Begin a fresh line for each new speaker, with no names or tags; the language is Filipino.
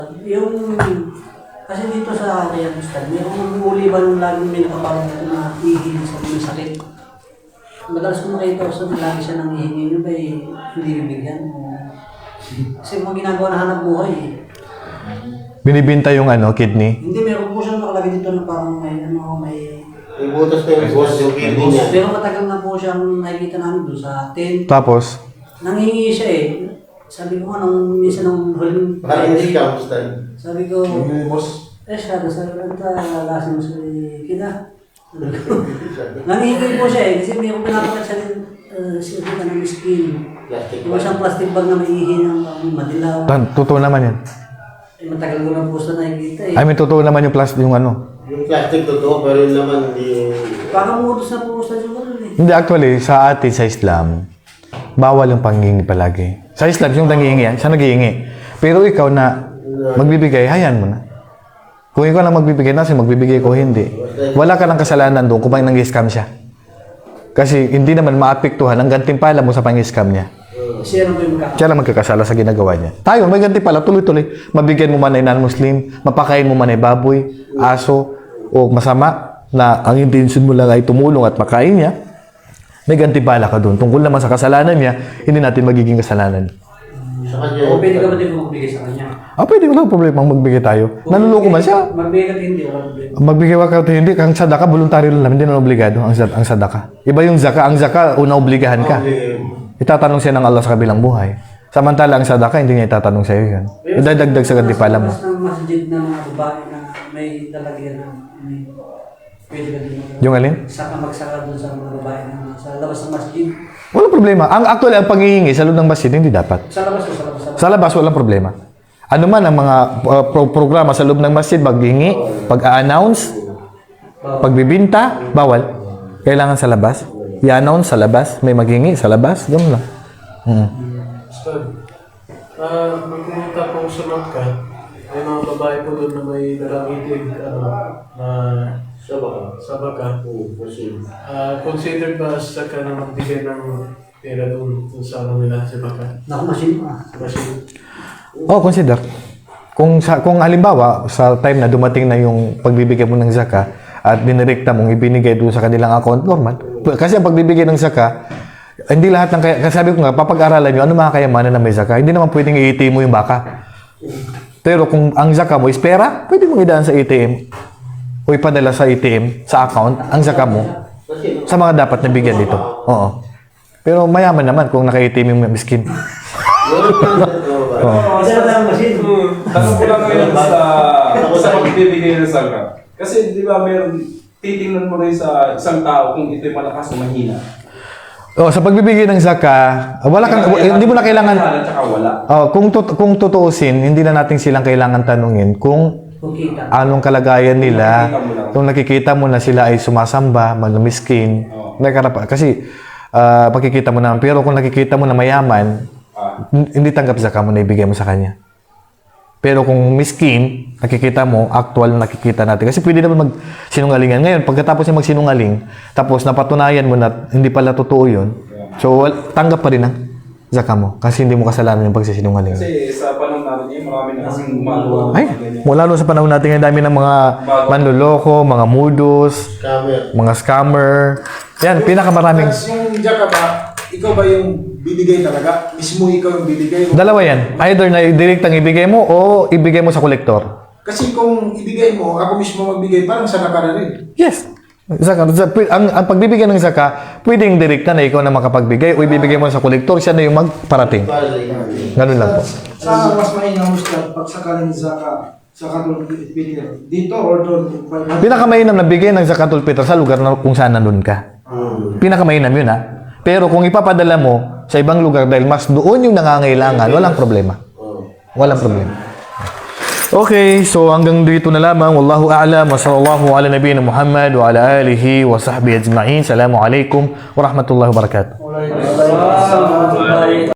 Yung, kasi dito sa Riyadh Ustad, may umuuli ba nung laging may nakaparang dito na ihihin sa mga sakit? Madalas ko makita ko sa lagi siya nang ihingi nyo ba hindi bibigyan? Kasi mga ginagawa na hanap buhay eh.
Binibinta yung kidney?
Hindi, meron po siya nakalagay dito na parang may
May butas na yung boss yung kidney niya.
pero matagal na po siyang nakikita namin doon sa tent.
Tapos?
Nangihingi siya eh. Sabi ko nga nung minsan nung huling
Parang hindi ka, basta.
sabi ko, siya, sabi ko, lasing mo sa kita. Nangihingi po siya eh, kasi may kong pinapakat siya rin, siya ka ng skin. Yung isang plastic bag na may ihi ng madilaw.
Totoo naman yan.
Eh, matagal ko na po sa nakikita eh.
I mean, totoo naman yung plastic, yung
Yung plastic totoo, pero yung laman hindi...
Parang utos na po sa yung ano eh.
Hindi, actually, sa atin, sa Islam, bawal yung panghihingi palagi. Sa Islam, yung nanghihingi yan, siya naghihingi. Pero ikaw na magbibigay, hayaan mo na. Kung ikaw na magbibigay, nasa magbibigay ko, hindi. Wala ka ng kasalanan doon kung nang-scam siya. Kasi hindi naman maapektuhan ang gantimpala mo sa pang-scam niya.
Siya lang po yung
Siya lang magkakasala sa ginagawa niya. Tayo, may gantimpala, tuloy-tuloy. Mabigyan mo man ay non-Muslim, mapakain mo man ay baboy, aso, o masama na ang intention mo lang ay tumulong at makain niya, may gantimpala ka doon. Tungkol naman sa kasalanan niya, hindi natin magiging kasalanan.
Sa kanya,
O pwede ka ba din magbigay sa kanya?
Pwede, walang problema magbigay tayo. Nanuloko man siya.
Magbigay ka hindi, walang problema.
Magbigay ka o hindi, ang sadaka, voluntaryo lang, hindi naman obligado ang sadaka. Iba yung zaka, ang zaka, una obligahan ka. Itatanong siya ng Allah sa kabilang buhay. Samantala, ang sadaka, hindi niya itatanong sa iyo yan. Idadagdag sa gantimpala mo.
Mas ng masjid na mga babae na may lalagyan na pwede ka din
Yung alin?
magsaka doon sa mga babae na sa labas ng masjid.
Walang problema. Actually, ang paghihingi sa loob ng masjid, hindi dapat.
Sa labas o sa labas?
Sa labas, walang problema. Ano man ang mga programa sa loob ng masjid, paghihingi, pag-a-announce, pagbibinta, bawal. Kailangan sa labas. I-announce sa labas, may maghingi sa labas, gano'n lang.
Ustad, nung pumunta kong sunod ka, may mga babae po doon na may dalang itig, na sabaka. Considered ba sa ka na magbigay ng pera doon sa nila sa baka?
Nakamasin pa.
Consider. Kung halimbawa, sa time na dumating na yung pagbibigay mo ng zaka at dinirekta mong ibinigay doon sa kanilang account, normal. Kasi ang pagbibigay ng zaka, hindi lahat ng kasi sabi ko nga, papag-aralan nyo, ano mga kayamanan na may zaka? Hindi naman pwedeng i-ATM mo yung baka. Pero kung ang zaka mo is pera, pwede mong idaan sa ATM o ipadala sa ATM, sa account, ang zaka mo sa mga dapat nabigyan dito. Oo. Pero mayaman naman kung naka-ATM yung miskin.
Isa na lang masin.
Tanong ko lang ngayon sa pagbibigay ng sangka. Kasi di ba meron, titingnan mo rin sa isang tao kung ito'y malakas o mahina.
Sa pagbibigay ng zaka, hindi mo na kailangan.
Tsaka wala.
Kung tutuusin, hindi na natin silang kailangan tanungin kung anong kalagayan nila. Kung nakikita mo na sila ay sumasamba, miskin, kasi makikita mo na. Pero kung nakikita mo na mayaman, hindi tanggap zaka mo na ibigay mo sa kanya. Pero kung miskin, nakikita mo, actual nakikita natin. Kasi pwede naman magsinungalingan. Ngayon, pagkatapos niya magsinungaling, tapos napatunayan mo na hindi pala totoo yun, so tanggap pa rin ang zaka mo. Kasi hindi mo kasalanan yung pagsisinungaling.
Kasi sa panahon natin ngayon, marami na kasing gumagawa.
Mula sa panahon natin ngayon, dami ng mga manloloko, mga mudos, mga scammer. Yan, pinakamaraming.
Yung zaka ba, ikaw ba yung bibigay talaga? Mismo ikaw yung bibigay?
Dalawa yan. Either na direktang ibigay mo o ibigay mo sa kolektor.
Kasi kung ibigay mo, ako mismo magbigay, parang sana ka na rin.
Yes. Zaka. Ang pagbibigay ng zaka, pwedeng direkta na ikaw na makapagbigay o ibibigay mo sa kolektor, siya na yung magparating. Ganun lang po.
Saan mas mainam Ustad pag sakaling zaka sa Katul Peter? Dito or doon?
Pinakamainam na bigay ng zakatul fitr sa lugar na kung saan nandun ka. Pinakamainam yun, ha? Pero kung ipapadala mo sa ibang lugar dahil mas doon yung nangangailangan, walang problema. Walang problema. Okay, so hanggang dito na lamang. Wallahu a'lam wa sallallahu ala nabiyina Muhammad wa ala alihi wa sahbihi ajma'in. Assalamualaikum warahmatullahi wabarakatuh.